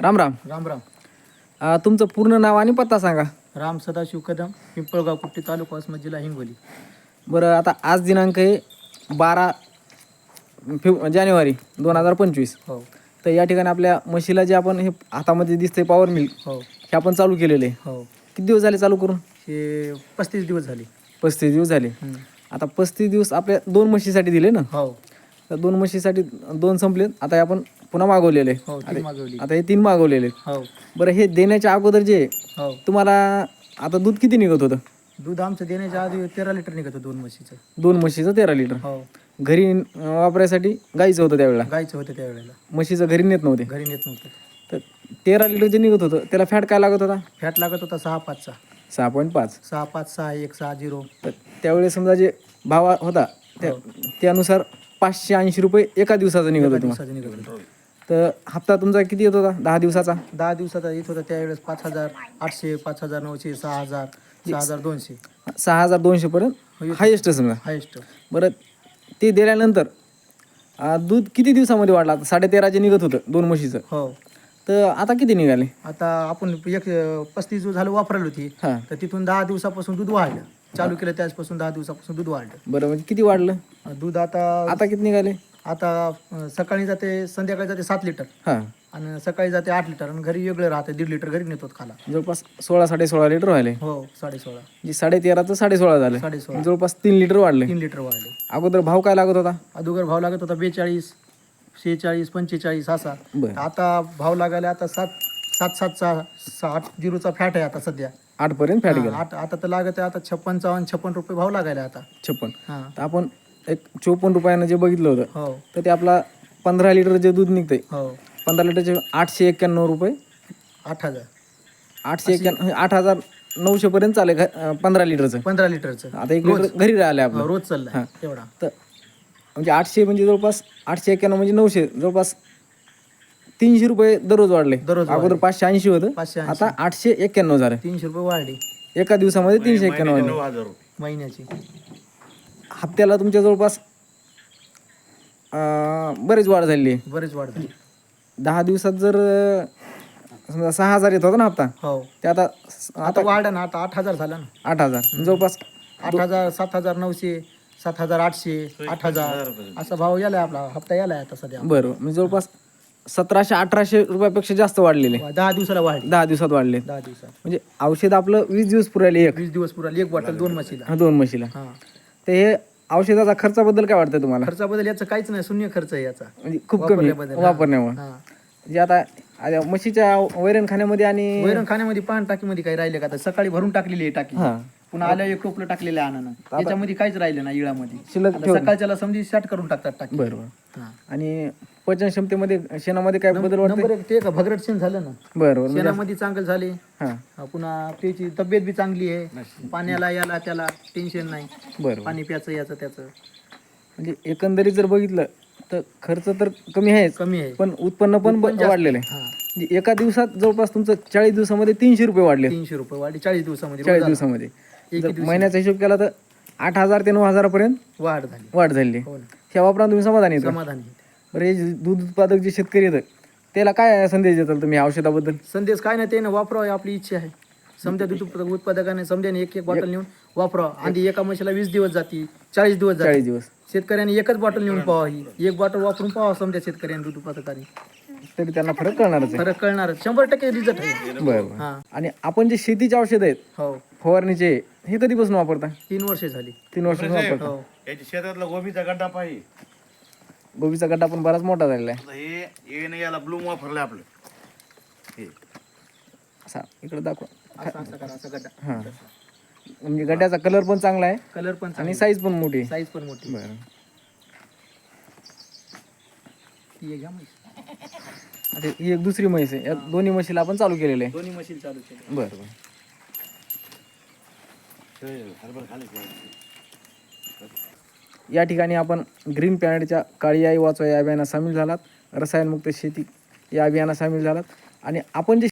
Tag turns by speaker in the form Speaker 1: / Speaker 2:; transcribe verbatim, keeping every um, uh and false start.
Speaker 1: राम राम.
Speaker 2: राम राम.
Speaker 1: अ, तुमचं पूर्ण नाव आणि पत्ता सांगा.
Speaker 2: राम सदाशिव कदम, पिंपळगाव कुट्टी, तालुका वसमत, जिल्हा हिंगोली.
Speaker 1: बरं, आता आज दिनांक आहे बारा फेब जानेवारी दोन हजार पंचवीस.
Speaker 2: हो
Speaker 1: तर या ठिकाणी आपल्या म्हशीला जे आपण हे हातामध्ये दिसते पॉवर मिल्क
Speaker 2: हो
Speaker 1: हे आपण चालू केलेले आहे.
Speaker 2: हो
Speaker 1: किती दिवस झाले चालू करून?
Speaker 2: हे पस्तीस दिवस झाले.
Speaker 1: पस्तीस दिवस झाले.
Speaker 2: हम्म.
Speaker 1: आता पस्तीस दिवस आपल्या दोन म्हशीसाठी दिले ना.
Speaker 2: हो
Speaker 1: तर दोन म्हशीसाठी दोन संपलेत. आता हे आपण पुन्हा मागवलेले.
Speaker 2: हो तीन मागवली.
Speaker 1: आता हे तीन मागवलेले.
Speaker 2: हो
Speaker 1: बरं, हे देण्याच्या अगोदर जे
Speaker 2: हो
Speaker 1: तुम्हाला आता दूध किती निघत होतं?
Speaker 2: दूध आमचं देण्याच्या आधी तेरा लिटर निघत होतं दोन म्हशीचं.
Speaker 1: दोन म्हशीचं तेरा लिटर.
Speaker 2: हो
Speaker 1: घरी अं, वापरायसाठी गाईचं होतं त्यावेळेला.
Speaker 2: गायचं होतं त्यावेळेला,
Speaker 1: म्हशीचं घरी नेत नव्हते.
Speaker 2: घरी नेत नव्हतं.
Speaker 1: तर तेरा लिटर जे निघत होतं त्याला फॅट काय लागत होता?
Speaker 2: फॅट लागत होता सहा पाचचा.
Speaker 1: सहा पॉईंट पाच.
Speaker 2: सहा पाच सहा एक सहा झिरो.
Speaker 1: तर त्यावेळेस समजा जे भाव होता त्या त्यानुसार पाचशे ऐंशी रुपये एका दिवसाचा निघत होता.
Speaker 2: दिवसाचं निघत होतं.
Speaker 1: तर हप्ता तुमचा किती येत होता दहा दिवसाचा?
Speaker 2: दहा दिवसाचा येत होता त्यावेळेस पाच हजार आठशे, पाच हजार नऊशे, सहा हजार, सहा हजार दोनशे,
Speaker 1: सहा हजार दोनशेपर्यंत हायेस्ट समजा.
Speaker 2: हायेस्ट.
Speaker 1: बरं, ते दिल्यानंतर अं, दूध किती दिवसामध्ये वाढलं? आता साडे तेराचे निघत होतं दोन म्हशीचं.
Speaker 2: हो
Speaker 1: तर आता किती निघाले?
Speaker 2: आता आपण एक पस्तीस दिवस झालं वापरायला होती,
Speaker 1: हां.
Speaker 2: तर तिथून दहा दिवसापासून दूध वाढलं. चालू केलं त्याचपासून दहा दिवसापासून दूध वाढलं.
Speaker 1: बरं, म्हणजे किती वाढलं?
Speaker 2: दूध आता
Speaker 1: आता किती निघाले?
Speaker 2: आता अं, सकाळी जाते, संध्याकाळी जाते सात लिटर
Speaker 1: हां,
Speaker 2: आणि सकाळी जाते आठ लिटर आणि घरी वेगळं राहते, दीड लिटर घरी नेतो खाला.
Speaker 1: जवळपास सोळा साडे सोळा लिटर व्हायले.
Speaker 2: हो साडे सोळा
Speaker 1: म्हणजे साडे तेराचं साडे सोळा झालं.
Speaker 2: साडे सोळा
Speaker 1: जवळपास तीन लिटर वाढले.
Speaker 2: तीन लिटर वाढले.
Speaker 1: अगोदर भाव काय लागत होता?
Speaker 2: अगोदर भाव लागत होता बेचाळीस, शेहेचाळीस, पंचेचाळीस असा.
Speaker 1: बरं,
Speaker 2: आता भाव लागायला आता सात सात सातचा साठ झिरोचा फॅट आहे आता सध्या.
Speaker 1: आठ पर्यंत फॅट
Speaker 2: हा,
Speaker 1: गेला.
Speaker 2: आठ आता तर लागत आहे आता छप्पन चव्हाण छप्पन रुपये भाव लागायला आता.
Speaker 1: छप्पन.
Speaker 2: हां
Speaker 1: तर आपण एक चोपन्न रुपयानं जे बघितलं होतं
Speaker 2: हो
Speaker 1: तर ते आपला पंधरा लिटर जे दूध निघतंय
Speaker 2: हो
Speaker 1: पंधरा लिटरचे आठशे एक्क्याण्णव रुपये.
Speaker 2: आठ हजार
Speaker 1: आठशे एक्क्याण्णव आठ हजार नऊशे पर्यंत चालेल घ- पंधरा लिटरचं.
Speaker 2: पंधरा लिटरचं
Speaker 1: आता एक लिटर घरी राहिले आपलं.
Speaker 2: रोज चाललाय तेवढा.
Speaker 1: तर म्हणजे आठशे म्हणजे जवळपास आठशे एक्क्याण्णव म्हणजे नऊशे, जवळपास तीनशे रुपये दररोज वाढले.
Speaker 2: दररोज
Speaker 1: अगोदर पाचशे ऐंशी होतं,
Speaker 2: पाचशे ऐंशी.
Speaker 1: आता आठशे एक्क्याण्णव झालं.
Speaker 2: तीनशे रुपये वाढली
Speaker 1: एका दिवसामध्ये तीनशे एक्क्याण्णव झाले.
Speaker 2: महिन्याची.
Speaker 1: हप्त्याला तुमच्या जवळपास अं, बरेच वाढ झालेली आहे.
Speaker 2: बरेच वाढ झाली.
Speaker 1: दहा दिवसात जर अं, समजा सहा हजार येत होता ना हप्ता,
Speaker 2: हो
Speaker 1: ते आता
Speaker 2: आता वाढ ना, आता आठ हजार झाला ना.
Speaker 1: आठ हजार जवळपास.
Speaker 2: आठ हजार, सात हजार नऊशे, सात हजार आठशे, आठ हजार असा भाव यालाय आपला हप्ता यालाय आता सध्या.
Speaker 1: बरं, म्हणजे जवळपास सतराशे अठराशे रुपयापेक्षा जास्त वाढलेले
Speaker 2: दहा दिवसाला वाढली.
Speaker 1: दहा दिवसात वाढले.
Speaker 2: दहा दिवसात
Speaker 1: म्हणजे औषध आपलं वीस दिवस पुरायले एक.
Speaker 2: वीस दिवस पुरा एक बॉटल दोन म्हशीला.
Speaker 1: हा, दोन म्हशीला.
Speaker 2: हा,
Speaker 1: तर हे औषधाचा खर्चाबद्दल काय वाटतं तुम्हाला?
Speaker 2: खर्चाबद्दल याचं काहीच नाही, शून्य खर्च आहे याचा
Speaker 1: म्हणजे खूप कमी
Speaker 2: वापरल्याबद्दल. हा.
Speaker 1: वापरण्यामुळे.
Speaker 2: हा.
Speaker 1: म्हणजे आता आता म्हशीच्या वैरण खाण्यामध्ये आणि
Speaker 2: वैरण खाण्यामध्ये पान टाकीमध्ये काही राहिले का? आता सकाळी भरून टाकलेली आहे टाकी,
Speaker 1: हा
Speaker 2: पुन्हा आल्या एक टोपलं टाकलेलं आहे अनानं, त्याच्यामध्ये काहीच राहिलं नाही इळामध्ये.
Speaker 1: शिल्लक
Speaker 2: आता
Speaker 1: ठेवलं.
Speaker 2: सकाळच्याला समजी शॅट करून टाकतात टाकी.
Speaker 1: बरोबर.
Speaker 2: हा.
Speaker 1: आणि पचन क्षमतेमध्ये शेणामध्ये काय बदल वाटतं?
Speaker 2: नंबर एक ते का भगरट शेण झालं ना,
Speaker 1: बरोबर. म्हणजे
Speaker 2: शेणामध्ये चांगलं झाले.
Speaker 1: हा,
Speaker 2: हा, पुन्हा त्याची तब्येत बी चांगली आहे, पाण्याला याला त्याला टेन्शन नाही,
Speaker 1: बरोबर.
Speaker 2: पाणी प्याचं याचं त्याचं
Speaker 1: म्हणजे एकंदरीत जर बघितलं तर खर्च तर कमी आहेच,
Speaker 2: कमी आहे.
Speaker 1: पण उत्पन्न पण ब-
Speaker 2: जास्त.
Speaker 1: वाढलेलं आहे.
Speaker 2: हा,
Speaker 1: म्हणजे एका दिवसात जवळपास तुमचं चाळीस दिवसामध्ये तीनशे रुपये वाढले.
Speaker 2: तीनशे रुपये वाढी चाळीस दिवसामध्ये.
Speaker 1: चाळीस
Speaker 2: रोज
Speaker 1: दिवसामध्ये
Speaker 2: एक
Speaker 1: जर
Speaker 2: दिवशी
Speaker 1: महिन्याचा हिशोब केला तर आठ हजार ते नऊ हजारापर्यंत
Speaker 2: वाढ झाली.
Speaker 1: वाढ झालेली आहे.
Speaker 2: हो ना,
Speaker 1: ह्या वापरा तुम्ही समाधानी आहेत का?
Speaker 2: समाधानी.
Speaker 1: बरं, हे जे दूध उत्पादक जे शेतकरी आहेत त्याला काय संदेश देताल तुम्ही या औषधाबद्दल?
Speaker 2: संदेश काय नाही, ते ना वापरावं आपली इच्छा आहे. समजा दूध उत्पादक उत्पादकाने समजाने एक एक बॉटल नेऊन वापरावं. आधी एका म्हशीला वीस दिवस जाती, चाळीस दिवस जाते.
Speaker 1: चाळीस दिवस
Speaker 2: शेतकऱ्याने एकच बॉटल नेऊन पाहावं, ही एक बॉटल वापरून पाहावं समजा शेतकऱ्याने दूध उत्पादकाने.
Speaker 1: तरी त्यांना फरक कळणारच आहे.
Speaker 2: फरक कळणार, शंभर टक्के रिझल्ट आहे.
Speaker 1: बरं.
Speaker 2: हा,
Speaker 1: आणि आपण जे शेतीचे औषध आहेत
Speaker 2: हो
Speaker 1: फवारणीचे हे कधीपासून वापरता?
Speaker 2: तीन वर्षे झाली.
Speaker 1: तीन वर्षापासून वापरता.
Speaker 2: हो
Speaker 3: याच्या शेतातला गोबीचा गड्डा पाहिजे.
Speaker 1: गोबीचा गड्डा पण बराच मोठा झालेला आहे.
Speaker 3: आता हे हे नाही याला ब्लूम वापरलं आपलं हे.
Speaker 1: असा इकडे दाखवा.
Speaker 2: असं असं करा, असं गड्डा.
Speaker 1: हां, म्हणजे गड्ड्याचा कलर पण चांगला आहे
Speaker 2: कलर पण
Speaker 1: आणि साईज पण मोठी आहे.
Speaker 2: साईज पण मोठी.
Speaker 1: बरं.
Speaker 2: ती एक घ्या म्हैस.
Speaker 1: आता ही एक दुसरी म्हैस आहे. या दोन्ही म्हशीला आपण चालू केलेलं आहे.
Speaker 2: दोन्ही मशीन चालू केले.
Speaker 1: बरं बरं.
Speaker 3: हरभरा खाली
Speaker 1: या ठिकाणी आपण ग्रीन प्लॅनेटच्या काळी आई वाचवा या अभियानात सामील झालात. रसायनमुक्त शेती या अभियानात सामील झालात आणि आपण जे